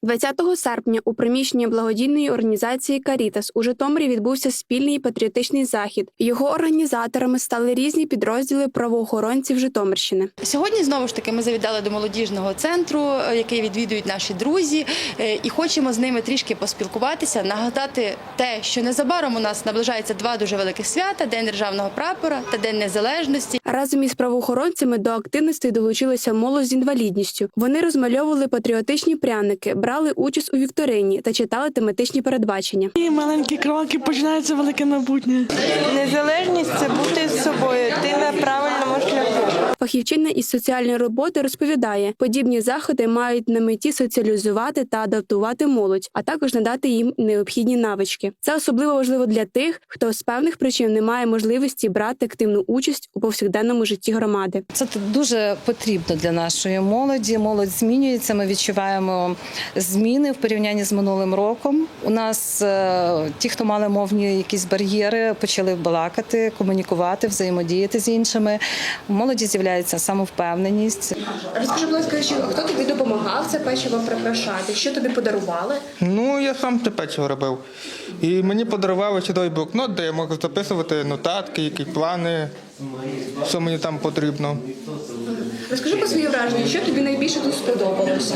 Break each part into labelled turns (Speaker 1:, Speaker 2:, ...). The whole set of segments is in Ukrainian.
Speaker 1: 20 серпня у приміщенні благодійної організації «Карітас» у Житомирі відбувся спільний патріотичний захід. Його організаторами стали різні підрозділи правоохоронців Житомирщини.
Speaker 2: Сьогодні, знову ж таки, ми завітали до молодіжного центру, який відвідують наші друзі, і хочемо з ними трішки поспілкуватися, нагадати те, що незабаром у нас наближається два дуже великих свята – День Державного прапора та День Незалежності.
Speaker 1: Разом із правоохоронцями до активностей долучилася молодь з інвалідністю. Вони розмальовували патріотичні пряники, брали участь у вікторині та читали тематичні передбачення.
Speaker 3: І маленькі кроки, починається велике майбутнє.
Speaker 4: Незалежність – це бути з собою, ти на правильному шляху.
Speaker 1: Фахівчиня із соціальної роботи розповідає, подібні заходи мають на меті соціалізувати та адаптувати молодь, а також надати їм необхідні навички. Це особливо важливо для тих, хто з певних причин не має можливості брати активну участь у повсякденному житті громади.
Speaker 5: Це дуже потрібно для нашої молоді. Молодь змінюється, ми відчуваємо зміни в порівнянні з минулим роком. У нас ті, хто мали мовні якісь бар'єри, почали балакати, комунікувати, взаємодіяти з іншими. У молоді з'являється самовпевненість.
Speaker 1: Розкажи, будь ласка, хто тобі допомагав це печиво прикрашати? Що тобі подарували?
Speaker 6: Я сам те печиво робив. І мені подарували чудовий блокнот, де я можу записувати нотатки, які плани, що мені там потрібно.
Speaker 1: Розкажи про свої враження, що тобі найбільше тут сподобалося?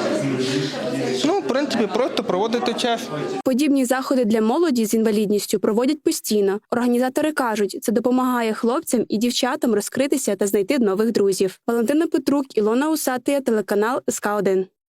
Speaker 6: В принципі, просто проводити час.
Speaker 1: Подібні заходи для молоді з інвалідністю проводять постійно. Організатори кажуть, це допомагає хлопцям і дівчатам розкритися та знайти нових друзів. Валентина Петрук, Ілона Усатия, телеканал СК1.